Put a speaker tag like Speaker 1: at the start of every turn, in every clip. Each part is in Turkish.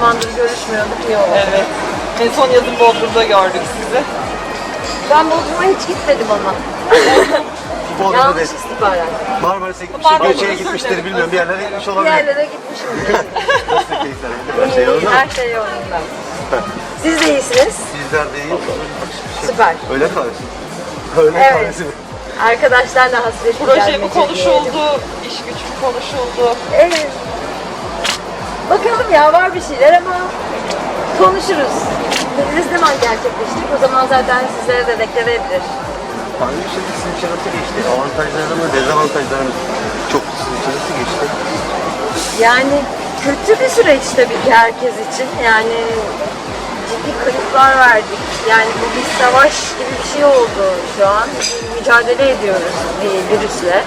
Speaker 1: zamandır görüşmüyorduk, iyi oldu.
Speaker 2: Evet. En son yazın Bodrum'da gördük sizi.
Speaker 1: Ben Bodrum'a hiç gitmedim ama.
Speaker 3: Bodrum'da
Speaker 1: Yanlış
Speaker 3: değil.
Speaker 1: istihbarat.
Speaker 3: Marmaris'e gitmiştir, Göçe'ye gitmiştir, bilmiyorum. Bir yerlere gitmiş
Speaker 1: Bir
Speaker 3: olabilir.
Speaker 1: yerlere gitmişimdir.
Speaker 3: Nasıl keyifler? Her şey
Speaker 1: İyi,
Speaker 3: yolunda mı?
Speaker 1: her şey yolunda. Siz de iyisiniz.
Speaker 3: Bizler de iyi.
Speaker 1: Süper.
Speaker 3: Öyle kahvesi. Öyle
Speaker 1: Evet.
Speaker 3: kahvesi mi?
Speaker 1: Arkadaşlarla hasret
Speaker 2: Proje
Speaker 1: gidermece
Speaker 2: mi konuşuldu, iş güç mü konuşuldu?
Speaker 1: Evet. Bakalım ya, var bir şeyler ama konuşuruz. Ne zaman gerçekleşecek? O zaman zaten sizlere de deklare edilir.
Speaker 3: Hangi bir şey sizin için nasıl geçti? Avantajları mı, dezavantajları mı? Çok sizin için nasıl geçti?
Speaker 1: Yani kötü bir süreç tabii ki herkes için. Yani ciddi kayıplar verdik. Yani bu bir savaş gibi bir şey oldu şu an. Mücadele ediyoruz bir virüsle.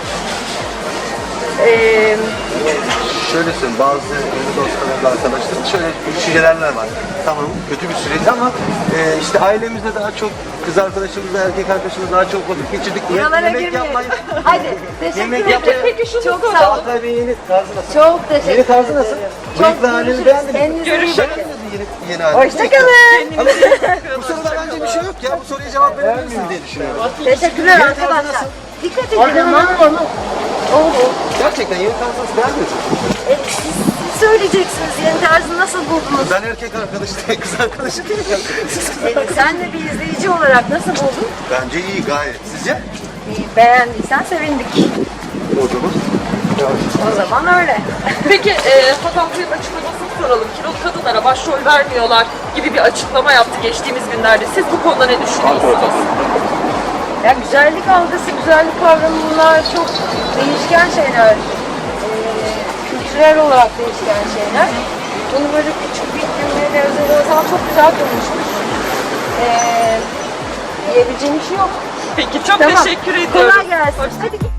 Speaker 3: Şöyle söyleyeyim, bazı yeni dostlarımla, arkadaşlarım şöyle düşünceler var. Tamam, kötü bir süreç ama işte ailemizde daha çok, kız arkadaşımızla, erkek arkadaşımızla daha çok vakit geçirdik.
Speaker 1: Buralara
Speaker 3: Yemek
Speaker 1: girmeyin.
Speaker 3: yapmayı...
Speaker 1: Hadi teşekkür
Speaker 3: Yemek
Speaker 1: ederim.
Speaker 3: yapmayı...
Speaker 2: Peki şunu
Speaker 1: Çok
Speaker 2: soralım.
Speaker 1: sağ olun.
Speaker 3: Çağatay Bey'in yeni tarzı nasıl?
Speaker 1: Çok teşekkür
Speaker 3: Yeni tarzı nasıl?
Speaker 1: ederim.
Speaker 3: Bıyıklı halini beğendin mi?
Speaker 1: Kendinize iyi
Speaker 2: Görüşürüz.
Speaker 1: bakın.
Speaker 3: Yeni halini.
Speaker 1: Hoşçakalın.
Speaker 3: Bu soruda bence bir şey yok ya. Bu soruya cevap verebilirsin diye düşünüyorum.
Speaker 1: Teşekkürler
Speaker 3: Yeni tarzı
Speaker 1: arkadaşlar.
Speaker 3: nasıl?
Speaker 1: Dikkat edin ama. Oldu.
Speaker 3: Gerçekten yeni tarzı nasıl beğenmiyorsun?
Speaker 1: Siz söyleyeceksiniz, yeni tarzı nasıl buldunuz?
Speaker 3: Ben erkek arkadaşı değil, kız arkadaşı değilim.
Speaker 1: Sen de bir izleyici olarak nasıl buldun?
Speaker 3: Bence iyi gayet. Sizce?
Speaker 1: İyi, beğendiysen sevindik.
Speaker 3: O zaman.
Speaker 1: O zaman öyle.
Speaker 2: Peki Hakan Bey'in açıklamasını soralım. Kilolu kadınlara başrol vermiyorlar gibi bir açıklama yaptı geçtiğimiz günlerde. Siz bu konuda ne düşünüyorsunuz?
Speaker 1: Ya güzellik algısı, güzellik kavramı, bunlar çok değişken şeyler. Kültürel olarak değişken şeyler. Bunu böyle küçük bir cümleyle özel olsam çok güzel konuşmuş. Diyebileceğim bir şey yok.
Speaker 2: Peki çok
Speaker 1: Tamam.
Speaker 2: teşekkür ediyorum.
Speaker 1: Kolay gelsin. Hadi git.